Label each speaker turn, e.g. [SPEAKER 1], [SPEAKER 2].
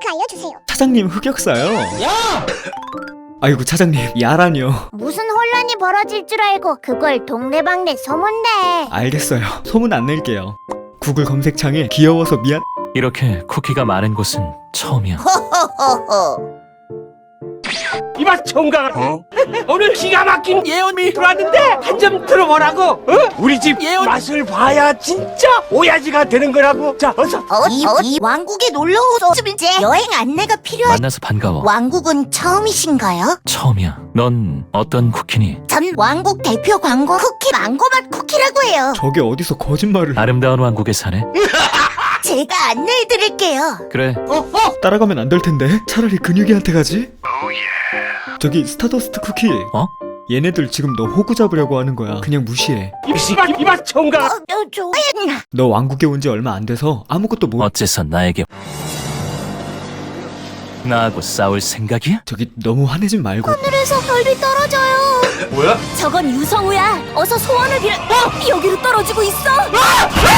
[SPEAKER 1] 링크 알려주세요.
[SPEAKER 2] 차장님 흑역사요?
[SPEAKER 3] 야!
[SPEAKER 2] 아이고 차장님 야라뇨.
[SPEAKER 1] 무슨 혼란이 벌어질 줄 알고 그걸 동네방네 소문내.
[SPEAKER 2] 알겠어요. 소문 안 낼게요. 구글 검색창에 귀여워서 미안.
[SPEAKER 3] 이렇게 쿠키가 많은 곳은 처음이야.
[SPEAKER 4] 이봐 총각, 오늘 기가 막힌 예언이 들어왔는데 한 점 들어보라고. 우리 집 예언 맛을 봐야 진짜 오야지가 되는 거라고. 자, 어서.
[SPEAKER 5] 이 왕국에 놀러 오서 이제 여행 안내가 필요한.
[SPEAKER 3] 만나서 반가워.
[SPEAKER 5] 왕국은 처음이신가요?
[SPEAKER 3] 처음이야. 넌 어떤 쿠키니?
[SPEAKER 5] 전 왕국 대표 광고 쿠키 망고맛 쿠키라고 해요.
[SPEAKER 2] 저게 어디서 거짓말을.
[SPEAKER 3] 아름다운 왕국에 사네.
[SPEAKER 5] 제가 안내해드릴게요.
[SPEAKER 3] 그래.
[SPEAKER 2] 따라가면 안 될 텐데. 차라리 근육이한테 가지. 저기 스타더스트 쿠키.
[SPEAKER 3] 어?
[SPEAKER 2] 얘네들 지금 너 호구 잡으려고 하는 거야. 그냥 무시해.
[SPEAKER 4] 이봐 총각.
[SPEAKER 5] 좋아요.
[SPEAKER 2] 너 왕국에 온 지 얼마 안 돼서 아무것도 못.
[SPEAKER 3] 어째서 나에게 나하고 싸울 생각이야?
[SPEAKER 2] 저기 너무 화내지 말고.
[SPEAKER 5] 하늘에서 별이 떨어져요.
[SPEAKER 4] 뭐야?
[SPEAKER 5] 저건 유성우야. 어서 소원을 빌어. 여기로 떨어지고 있어.